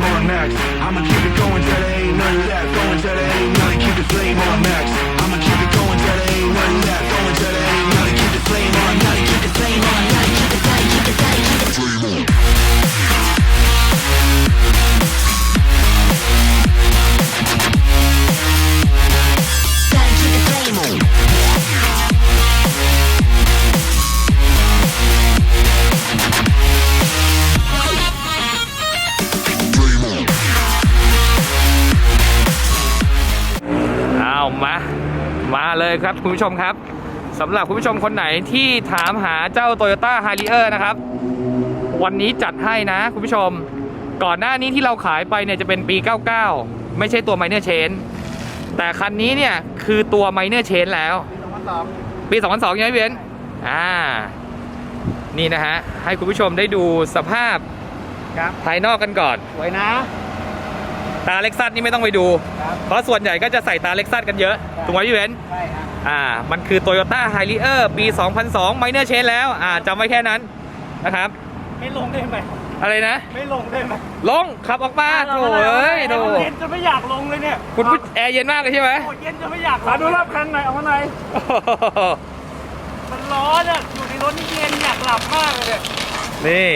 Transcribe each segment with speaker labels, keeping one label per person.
Speaker 1: on max. I'ma keep it going till there ain't nothing left. Going till there ain't nothing. Keep the flame on max. I'ma keep it going till there ain't nothing left. Going till there ain't nothing. Keep the flame on. Nothing. Keep the flame on. Nothing. Keep the flame. Keep the flame. Keep the flame on. Gotta keep the flame on.
Speaker 2: มาเลยครับคุณผู้ชมครับสำหรับคุณผู้ชมคนไหนที่ถามหาเจ้า Toyota Harrier นะครับวันนี้จัดให้นะคุณผู้ชมก่อนหน้านี้ที่เราขายไปเนี่ยจะเป็นปี 99 ไม่ใช่ตัว Minor Change แต่คันนี้เนี่ยคือตัว Minor Change แล้วปี 2002ใช่ไหมพี่เบนซ์นี่นะฮะให้คุณผู้ชมได้ดูสภาพภายนอกกันก่อน
Speaker 3: สวยนะ
Speaker 2: ตาเล็กซัสนี่ไม่ต้องไปดูเพราะส่วนใหญ่ก็จะใส่ตาเล็กซัสกันเยอะถูกไหมพี่เบนซ์
Speaker 3: ใช่ครับ
Speaker 2: มันคือ Toyota Harrier ปี 2002 Minor Change แล้วจำไว้แค่นั้นนะครับ
Speaker 3: ไม่ลงได้ไหม
Speaker 2: อะไรนะ
Speaker 3: ไม่ลงได้ไหม
Speaker 2: ลงขับออกมาโถ่เอ้ยโถ่
Speaker 3: เย็นจะไม่อยากลงเลยเนี่ย
Speaker 2: คุณแอร์เย็นมากเลยใช่ไหม
Speaker 3: เย็นจะไม่อยากมาดูรอบคันหน่อยเอามาหน่อยมันร้อนอ่ะอยู่ในรถนี่เย็นอยากหลับมากเลย
Speaker 2: นี่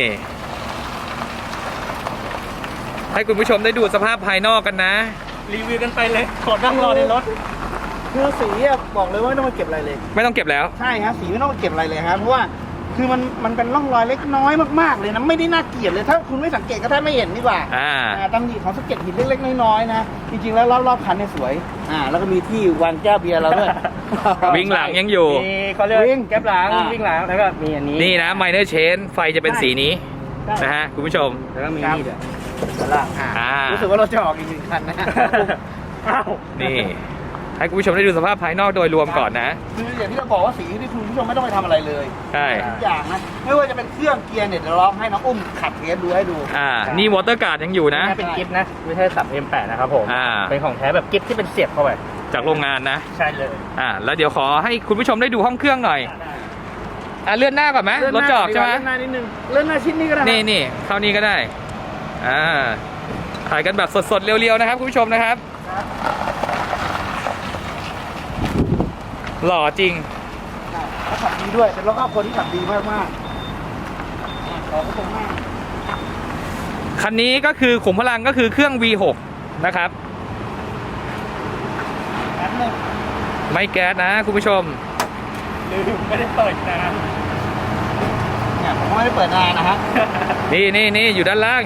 Speaker 2: ให้คุณผู้ชมได้ดูสภาพภายนอกกันนะ
Speaker 3: รีวิวกันไปเลยขอนั่งรอในรถคือสีบอกเลยว่าไม่ต้องมาเก็บอะไรเลย
Speaker 2: ไม่ต้องเก็บแล้ว
Speaker 3: ใช่ครับสีไม่ต้องมาเก็บอะไรเลยครับเพราะว่าคือมันเป็นร่องรอยเล็กน้อยมากๆเลยนะไม่ได้น่าเกลียดเลยถ้าคุณไม่สังเกตก็แทบไม่เห็นดีกว่าตำหนิของสะเก็ดหินเล็กๆน้อยๆนะจริงๆแล้วรอบๆคันเนี่ยสวยแล้วก็มีที่วางแก้วเบียร์เราด้วย
Speaker 2: วิ่งหลังยังอยู่
Speaker 3: เขาเรียกวิ่งแก้วหลังวิ่งหลังแล้วก็มีอันนี้
Speaker 2: นี่นะ Minor Change ไฟจะเป็นสีนี้นะฮะคุณผู้ชม
Speaker 3: แล้วก็มีนี่ด้วยรู้สึกว่าเราจะออกอีก1คันนะ
Speaker 2: นี่ให้คุณผู้ชมได้ดูสภาพภายนอกโดยรวมก่อนนะ
Speaker 3: คืออย่างที่เราบอกว่าสีที่คุณผู้ชมไม่ต้องไปทำอะไรเลย
Speaker 2: ใช่
Speaker 3: ทุกอย่างนะไม่ว่าจะเป็นเครื่องเกียร์เนี่ยเดี๋ยวลองให้น้องอุ้มขับเทสดูให้ดู
Speaker 2: นี่วอเตอร์การ์ดยังอยู่นะ
Speaker 3: เป็นกิฟต์นะไม่ใช่สับ M8 นะครับผมเป็นของแท้แบบกิฟต์ที่เป็นเสียบเข้าไป
Speaker 2: จากโรงงานนะ
Speaker 3: ใช่เลย
Speaker 2: แล้วเดี๋ยวขอให้คุณผู้ชมได้ดูห้องเครื่องหน่อยเลื่อนหน้าก่อนไหมรถจอดใช่ไหม
Speaker 3: เลื่อนหน้านิดนึงเลื่อนหน้าชิ้นนี้ก็ได้
Speaker 2: นี่เข้านี้ก็ได้ถ่ายกันแบบสดๆเรียวๆนะครับคุณผู้ชมนะครับหล่อจริง
Speaker 3: ขับดีด้วยเป็นรถครอบครัวที่ขับดีมากๆขอบคุณมาก
Speaker 2: คันนี้ก็คือขุมพลังก็คือเครื่อง V6 นะครับไม่แก๊สนะคุณผู้ชม
Speaker 3: ลืมไม่ได้เปิดนานเนี่ยผมไม่ได้เปิดนานนะฮะ
Speaker 2: นี่อยู่ด้านล่าง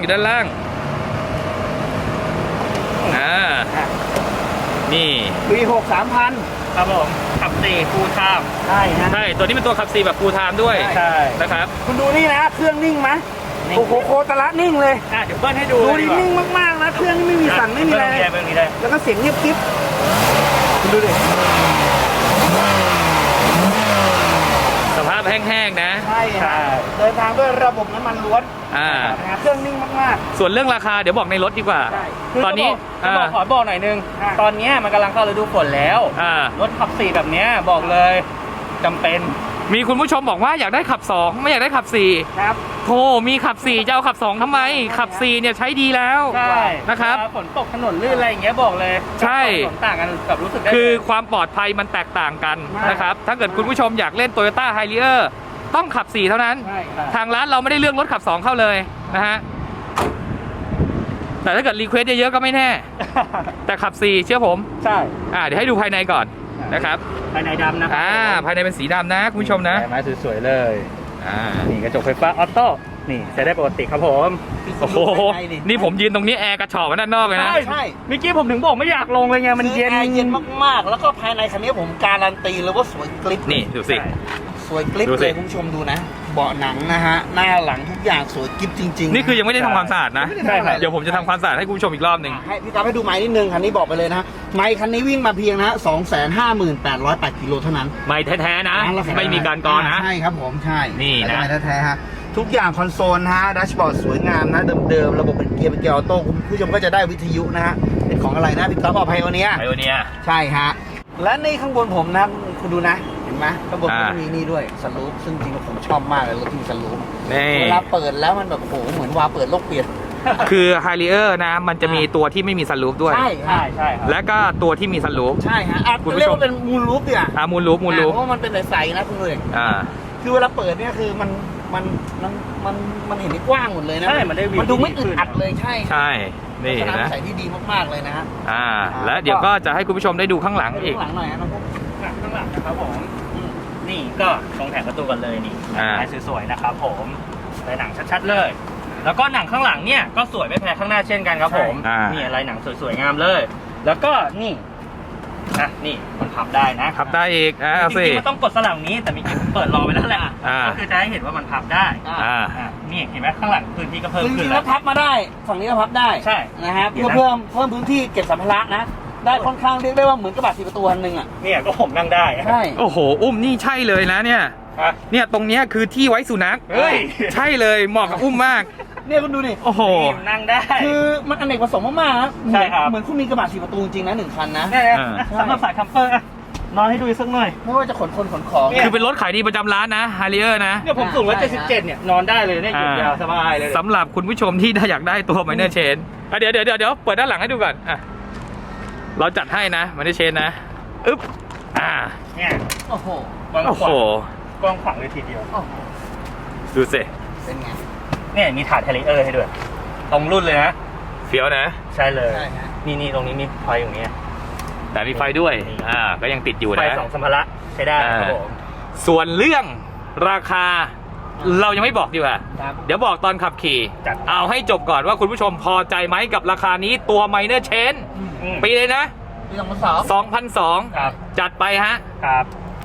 Speaker 2: นี่
Speaker 3: V6 3,000ครับผมขับ4 full time ใช่ฮะ
Speaker 2: ใช่ตัวนี้เป็นตัวขับ4แบบ full time ด้วย
Speaker 3: ใช่
Speaker 2: นะครับ
Speaker 3: คุณดูนี่นะเครื่องนิ่งไหมโอ้โหโคตรละนิ่งเลยเดี๋ยวเบิ้ลให้ดูนิ่งมากๆนะเครื่องนี่ไม่มีสั่นไม่มีอะไรแล้วก็เสียงเงียบกิ๊บคุณดูดิ
Speaker 2: สภาพแห้งๆนะ
Speaker 3: ใช่เดินทางด้วยระบบน้ำมันล้วนเครื่องนิ่งมาก
Speaker 2: ๆส่วนเรื่องราคาเดี๋ยวบอกในรถดีกว่าตอนนี้
Speaker 3: ขอบอกหน่อยนึงตอนนี้มันกำลังเข้าฤดูฝนแล้วรถขับ4แบบนี้บอกเลยจำเป็น
Speaker 2: มีคุณผู้ชมบอกว่าอยากได้ขับ2ไม่อยากได้ขับ4
Speaker 3: ครับ
Speaker 2: โธ่มีขับ4จะเอาขับ2ทำไมขับ4เนี่ยใช้ดีแล้วนะครับ
Speaker 3: ฝนตกถนนลื่นอะไรอย่างเงี้ยบอกเลย
Speaker 2: ใช่
Speaker 3: ฝนต่างกันกับรู้สึกได้
Speaker 2: คือความปลอดภัยมันแตกต่างกันนะครับถ้าเกิดคุณผู้ชมอยากเล่น Toyota Harrier ต้องขับ4เท่านั้นทางร้านเราไม่ได้เลือกรถขับ2เข้าเลยนะฮะแต่ถ้าเกิดรีเควสเยอะๆก็ไม่แน่แต่ขับ4เชื่อผม
Speaker 3: ใช่
Speaker 2: เดี๋ยวให้ดูภายในก่อนนะครับ
Speaker 3: ภายในดำนะ
Speaker 2: ภายในเป็นสีดำนะคุณผู้ชมนะ
Speaker 3: ไม้สวยๆเลยนี่กระจกไฟฟ้าออโต้นี่ใช้ได้ปกติครับผม
Speaker 2: โอ้โหนี่ผมยืนตรงนี้แอร์กระฉอกด้านนอกเลยนะ
Speaker 3: ใช่เมื่อกี้ผมถึงบอกไม่อยากลงเลยไงมันเย็นมากๆแล้วก็ภายในคันนี้ผมการันตีเลยว่าสวยกริบ
Speaker 2: นี่ดูสิ
Speaker 3: สวยกริบเลยคุณผู้ชมดูนะเบาะหนังนะฮะหน้าหลังทุกอย่างสวยกริบจริงๆ
Speaker 2: นี่คือยังไม่ได้ทำความสะอาดนะเดี๋ยวผมจะทำความสะอาดให้คุณผู้ชมอีกรอบหนึ่ง
Speaker 3: ให้พี่กราฟให้ดูไม้นิดนึงคันนี้บอกไปเลยนะไม้คันนี้วิ่งมาเพียงนะ 258,808 กิโลเท่านั้น
Speaker 2: ไม้แท้ๆนะไม่มีการกรนะ
Speaker 3: ใช่ครับผมใช่
Speaker 2: นี่นะ
Speaker 3: ไม้แท้ๆฮะทุกอย่างคอนโซลฮะดัชบอร์ดสวยงามนะเดิมๆระบบเป็นเกียร์ออโต้คุณผู้ชมก็จะได้วิทยุนะฮะเป็นของอะไรนะพี่กราฟบอกไพโอเนียใช่ฮะและในข้างบนผมนะคุณดูนะเห็นไหมข้างบนก็มีนี่ด้วยสลูปซึ่งจริงๆผมชอบมากเลยรถที่สลูปเวลาเปิดแล้วมันแบบโอ้โหเหมือนวาเปิดโลกเปลี่ยน
Speaker 2: คือ Harrier นะ มันจะมีตัวที่ไม่มีซันรูฟด้วย
Speaker 3: ใช่ฮะ
Speaker 4: ใช่ครับ
Speaker 2: และก็ตัวที่มีซันรูฟ
Speaker 3: ใช่ฮะ
Speaker 2: คุณผู้ชม
Speaker 3: เรียกว่าเป็นมูลรูปเนี่ย
Speaker 2: มูลรูฟ
Speaker 3: เพราะว่ามันเป็นใสๆนะคุณเลย คือเวลาเปิดเนี่ยคือมันเห็นได้กว้างหมดเลยนะ
Speaker 4: ใช่มันได้วิว
Speaker 3: มันดูไม่
Speaker 4: ที่ดี
Speaker 3: อึดอัดเลยใช่
Speaker 2: ใช่ นี่
Speaker 3: ลักษณะ
Speaker 2: นะ
Speaker 3: ใสที่ดีมากๆเลยนะฮะ
Speaker 2: และเดี๋ยวก็จะให้คุณผู้ชมได้ดูข้างหลังอีก
Speaker 3: ข้างหลังหน่อยนะน้องพวก
Speaker 4: ข้างหลังนะครับผมนี่ก็ตรงแผงประตูกันเลยนี่ ลายสวยๆนะครับผมลายหนังชัดๆเลย แล้วก็หนังข้างหลังเนี่ยก็สวยไม่แพ้ข้างหน้าเช่นกันครับผม นี่ลายหนังสวยๆงามเลย แล้วก็นี่นี่มันพับได้นะ
Speaker 2: พับได้อีก
Speaker 4: จ
Speaker 2: เอาสิ
Speaker 4: ริงๆมันต้องกดสลับนี้แต่มีผมเปิดรอไว้แล้วแหละก็คือจะให้เห็นว่ามันพับได้นี่เห็นไหมข้างหลังพื้นที่ก็เพิ่ม
Speaker 3: จ
Speaker 4: ขึ้
Speaker 3: ริ
Speaker 4: น
Speaker 3: งๆแล้วพับมาได้ฝั่งนี้ก็พับได้
Speaker 4: ใช่
Speaker 3: นะฮะเพื่อเพิ่มพื้นที่เก็บสัมภาระนะ ได้ค่อนข้างเรียกได้ว่าเหมือนกระบะ4ประตูคันหนึงอ่ะ
Speaker 4: เนี่ยก็ผมนั่งได้
Speaker 3: ใช่
Speaker 2: โอ้โห อุ้มนี่ใช่เลยนะเนี่ย เนี่ยตรงเนี้ยคือที่ไว้สุนัข
Speaker 4: เฮ้ย
Speaker 2: ใช่เลยเหมาะกับอุ้มมาก
Speaker 3: เนี่ยคุณดูดิ
Speaker 2: โอ้โห
Speaker 4: นั่งได้
Speaker 3: คือมันอเนกประสงค์มากๆนะ
Speaker 4: ใช่ครับ
Speaker 3: เหมือนคุณมีกระบะ4ประตูจริงนะ1คันนะ
Speaker 4: เนี่ยสำหรับสายคัมเปอร์นอนให้ดูสักหน่อย
Speaker 3: ไม่ว่าจะขนคนขนของ
Speaker 2: คือเป็นรถขายดีประจำร้านนะ Harrier นะ
Speaker 4: เนี่ยผมสูง177เนี่ยนอนได้เลยเนี่ยหยุดยาวสบายเลย
Speaker 2: สำหรับคุณผู้ชมที่อยากได้ตัว Minor Chain เดี๋ยวเปิดด้านหลังให้ดูก่อนเราจัดให้นะ Minor Chain นะอึ๊บ
Speaker 4: เนี่ย
Speaker 3: โอ้โห
Speaker 2: โอ้โห
Speaker 4: กว้างขวางเลยทีเดียว
Speaker 2: ดูสิ
Speaker 3: เป็นไง
Speaker 4: เนี่ยมีถาดเทเลเออร์ให้ด้วยตรงรุ่นเลยนะ
Speaker 2: เฟี้ยวนะ
Speaker 4: ใช่เลย
Speaker 3: ใช่ฮะ
Speaker 4: นี่ตรงนี้มีไฟอย่างเงี้ย
Speaker 2: แต่มีไฟด้วยก็ยังติดอยู่
Speaker 4: ไฟ
Speaker 2: นะ
Speaker 4: 2สัมภาระใช้ได้ครับผม
Speaker 2: ส่วนเรื่องราคาเรายังไม่บอกดีกว่า
Speaker 3: ครับ
Speaker 2: เดี๋ยวบอกตอนขับขี่เอาให้จบก่อนว่าคุณผู้ชมพอใจไหมกับราคานี้ตัว Minor Chain ปีเลยนะ
Speaker 3: ปี2002
Speaker 4: ครับ
Speaker 2: จัดไปฮะ
Speaker 4: ครับ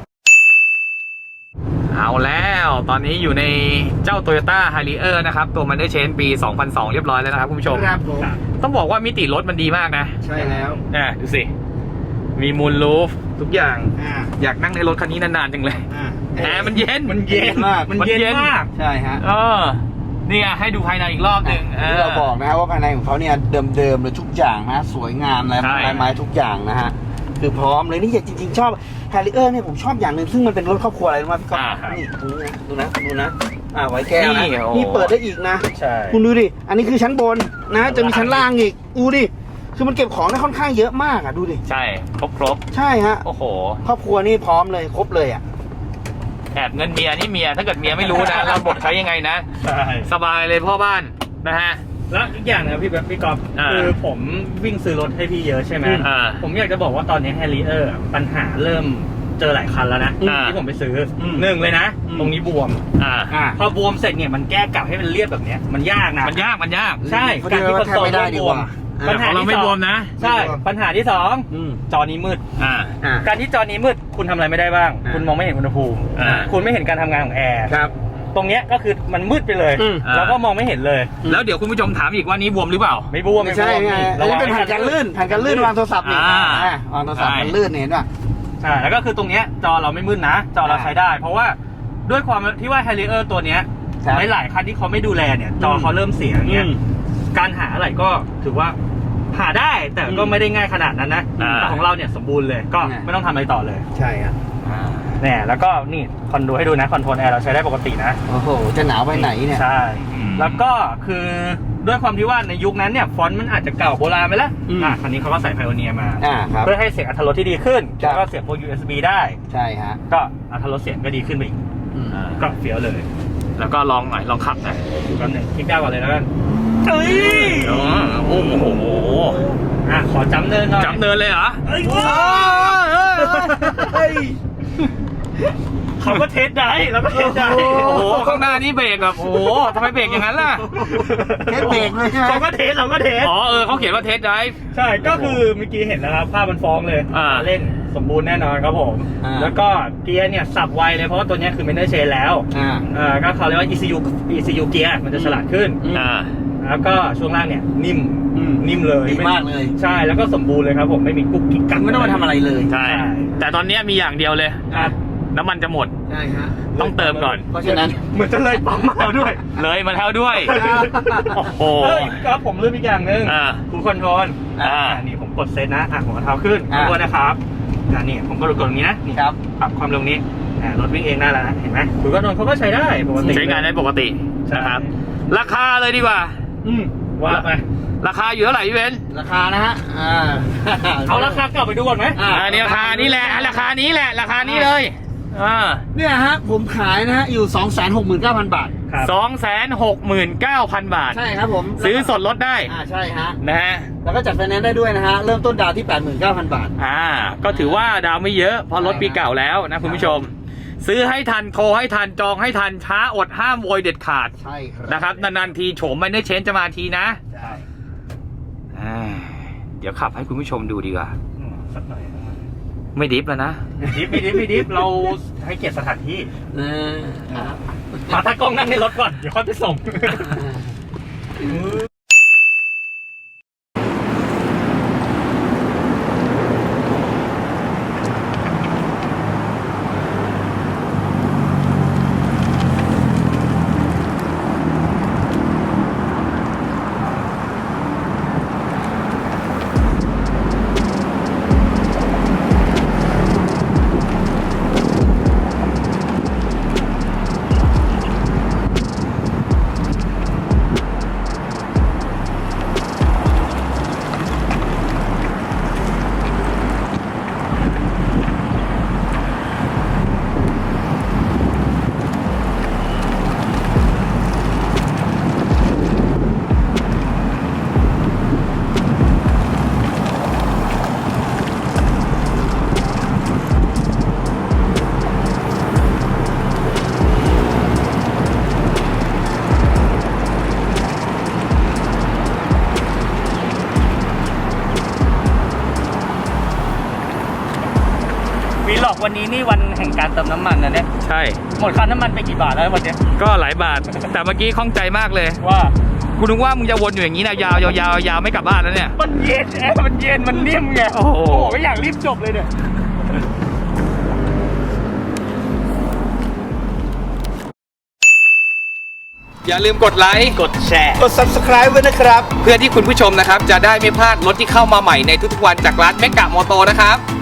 Speaker 2: เอาแล้วตอนนี้อยู่ในเจ้า Toyota Harrier นะครับ ตัว Minor Chain ปี 2002 เรียบร้อยแล้วนะครับคุณผู้ชม
Speaker 3: ครับผม
Speaker 2: ต้องบอกว่ามิติรถมันดีมากนะ
Speaker 3: ใช่แล้ว
Speaker 2: ดูสิ มีมูลรูฟทุกอย่าง
Speaker 3: อ่า
Speaker 2: อยากนั่งในรถคันนี้นานๆจังเลย แอร์มันเย็น
Speaker 4: มันเย็น
Speaker 3: มาก
Speaker 4: มันเย็นมาก
Speaker 3: ใช่ฮะ
Speaker 2: นี่ไงให้ดูภายในอีกรอบหนึ่ง
Speaker 3: ที่เราบอกนะครับว่าภายในของเขาเนี่ยเดิมๆเลยทุกอย่างนะสวยงามลายไม้ทุกอย่างนะฮะคือพร้อมเลยนี่จริงๆชอบ Harrier เนี่ยผมชอบอย่างหนึ่งซึ่งมันเป็นรถครอบครัวอะไรรู้ไหมพี่ก๊อฟนี่ดูนะไว้แก้วนะนี่เปิดได้อีกนะ
Speaker 4: ใช่
Speaker 3: คุณดูดิอันนี้คือชั้นบนนะจะมีชั้นล่างอีกดูดิคือมันเก็บของได้ค่อนข้างเยอะมากอ่ะดูดิ
Speaker 2: ใช่ครบ
Speaker 3: ใช่ฮะ
Speaker 2: โอ้โห
Speaker 3: ครอบครัวนี่พร้อมเลยครบเลยอ่ะ
Speaker 2: แอบเงินเมียนี่เมียถ้าเกิดเมียไม่รู้นะ เราบทใช้ยังไงนะ
Speaker 4: ใช่
Speaker 2: สบายเลยพ่อบ้านนะฮะ
Speaker 4: แล้วอีกอย่างนะพี่ก๊อฟคือผมวิ่งซื้อรถให้พี่เยอะใช่ไหมผมอยากจะบอกว่าตอนนี้ Harrier ปัญหาเริ่มเจอหลายคันแล้วนะที่ผมไปซื้อหนึ่งเลยนะ ตรงนี้บวมพอบวมเสร็จเนี่ยมันแก้กลับให้มันเรียบแบบเนี้ยมันยากนะ
Speaker 2: มันยาก
Speaker 4: ใช่การที่คอนโซลไม่บวมปัญหา
Speaker 2: เราไม่บวมนะ
Speaker 4: ใช่ปัญหาที่2จอนี้มืดการที่จอนี้มืดคุณทำอะไรไม่ได้บ้าง คุณมองไม่เห็นอุณหภูมิคุณไม่เห็นการทำงานของแอร์ตรงเนี้ยก็คือมันมืดไปเลยแล้วก็มองไม่เห็นเลย
Speaker 2: แล้วเดี๋ยวคุณผู้ชมถามอีกว่านี้บวมหรือเปล่า
Speaker 4: ไม่บวม
Speaker 3: ไม่ใช่ไงอันนี้เป็นแผ่นกันลื่นวางโทรศัพท์นี่วางโทรศัพท์มันลื่นเห็นป่ะ
Speaker 4: ใช่แล้วก็คือตรงเนี้ยจอเราไม่มืดนะจอเราใช้ได้ เพราะว่าด้วยความที่ว่า Harrier ตัวเนี้ยหลายคันที่เขาไม่ดูแลเนี่ยจอเขาเริ่มเสียอย่างเงี้ยการหาอะไรก็ถือว่าหาได้แต่ก็ไม่ได้ง่ายขนาดนั้นนะแต่ของเราเนี่ยสมบูรณ์เลยก็ไม่ต้องทำอะไรต่อเลย
Speaker 3: ใช่ครับ
Speaker 4: เนี่ยแล้วก็นี่คอนโดให้ดูนะคอนโทรลแอร์เราใช้ได้ปกตินะ
Speaker 3: โอ้โหจะหนาวไปไหนเนี่ย
Speaker 4: ใช่แล้วก็คือด้วยความที่ว่าในยุคนั้นเนี่ยฟอนต์มันอาจจะเก่าโบราณไปแล้วคันนี้เขาก็ใส่ Pioneer มาเพื่อให้เสียงอรรถรสที่ดีขึ้นแล้วก็เสียงพวก USB ได้
Speaker 3: ใช่ฮะ
Speaker 4: ก็อรรถรสเสียงก็ดีขึ้นไปอีกก็เฟี้ยวเลย
Speaker 2: แล้วก็ลองหน่อยลองขับหน่อย
Speaker 4: ก่อนหนึ่งคลิกได้ก่อนเลยแล้วกัน
Speaker 2: โอ้โห
Speaker 4: ขอจำเนินหน่อย
Speaker 2: จำเนินเลยเหรอ
Speaker 4: เขาก็เทสได้แล้วก็เทสได้
Speaker 2: โอ้โหข้างหน้านี่เบรกแบบโอ้โหทำไมเบรกอย่างนั้นล่ะ
Speaker 3: เทสเบรกเลยใช่ไหม
Speaker 4: เขาก็เทสเราก็เทส
Speaker 2: เขาเขียนว่าเทสได้
Speaker 4: ใช่ก็คือเมื่อกี้เห็นแล้วครับภาพมันฟ้องเลยเล่นสมบูรณ์แน่นอนครับผมแล้วก็เกียร์เนี่ยสับไวเลยเพราะว่าตัวนี้คือMinor Chainแล้วก็เขาเรียกว่า ECU เกียร์มันจะฉลาดขึ้นแล้วก็ช่วงล่างเนี่ยนิ่มเลย
Speaker 3: ดีมากเลย
Speaker 4: ใช่แล้วก็สมบูรณ์เลยครับผมไม่มีกุ๊กกิ๊กกัก
Speaker 3: ไม่ต้องมาทำอะไรเลย
Speaker 2: ใช่แต่ตอนนี้มีอย่างเดียวเลยน้ำมันจะหมด
Speaker 3: ใช่ฮะ
Speaker 2: ต้องเติมก่อน
Speaker 3: เพราะฉะนั้น
Speaker 4: เหมือนจะเลยปั๊มมาแล้วด้วย
Speaker 2: เลยมาแล้วด้วยโอ้โห
Speaker 4: ก็ผมลืมอีกอย่างหนึ่งคูลคอนโทรลนี่ผมกดเซตนะผมเอาเท้าขึ้นตัวนะครับนี่ผมก็กดตรงนี้นะนี่ครับปรับความเร็วนี้รถวิ่งเองได้แล้วนะเห็นไหมคูลคอนโทรลเขาก็ใช้ได้ปกติ
Speaker 2: ใช้งานได้ปกตินะครับราคาเลยดีกว่า
Speaker 4: ว่าไป
Speaker 2: ราคาอยู่เท่าไหร่พี่เบน
Speaker 3: ราคานะฮะ
Speaker 4: เอาราคาเก่าไปดูก่อนไหม
Speaker 2: อันนี้ราคานี้แหละราคานี้แหละราคานี้เลย
Speaker 3: เนี่ยฮะผมขายนะฮะอยู่ 269,000 บาท
Speaker 2: 269,000 บาท
Speaker 3: ใช่ครับผม
Speaker 2: ซื้อสดลดได้
Speaker 3: ใช่ฮะ
Speaker 2: นะฮะ
Speaker 3: แล้วก็จัดไฟแนนซ์ได้ด้วยนะฮะเริ่มต้นดาวที่ 89,000 บาท
Speaker 2: ก็ถือว่าดาวไม่เยอะเพราะรถปีเก่าแล้วนะคุณผู้ชม ซื้อให้ทันโทรให้ทันจองให้ทันช้าอดห้ามโวยเด็ดขาด
Speaker 3: ใช่ครับ
Speaker 2: นะครับนานๆทีโฉมไม่ได้เชนจะมาทีนะเดี๋ยวขับให้คุณผู้ชมดูดีกว่า
Speaker 4: สักหน่อย
Speaker 2: ไม่ดิฟแล้วนะ
Speaker 4: ไม่ดิฟเราให้เกียรติสถานที่มาถ้ากล้องนั่งในรถก่อนเดี๋ยวค่อยไปส่ง วีล็อกวันนี้นี่วันแห่งการเติมน้ำมันนะเนี่ย
Speaker 2: ใช่
Speaker 4: หมดค่าน้ำมันไปกี่บาทแล้ววันเนี้ย
Speaker 2: ก็หลายบาท แต่เมื่อกี้ข้องใจมากเลย
Speaker 4: ว่า
Speaker 2: กูนึกว่ามึงจะวนอยู่อย่างนี้นะยาวยาวไม่กลับบ้านแล้วเนี่ย
Speaker 4: มันเย็นแอร์มันเย็นมันนิ่มไง
Speaker 2: โอ้โห
Speaker 4: ก็อยากรีบจบเลยเนี่ย
Speaker 2: อย่าลืมกดไลค์กดแชร์
Speaker 3: กด subscribe ไว้นะครับ
Speaker 2: เพื่อที่คุณผู้ชมนะครับจะได้ไม่พลาดรถที่เข้ามาใหม่ในทุกๆวันจากร้านเมกะมอโตนะครับ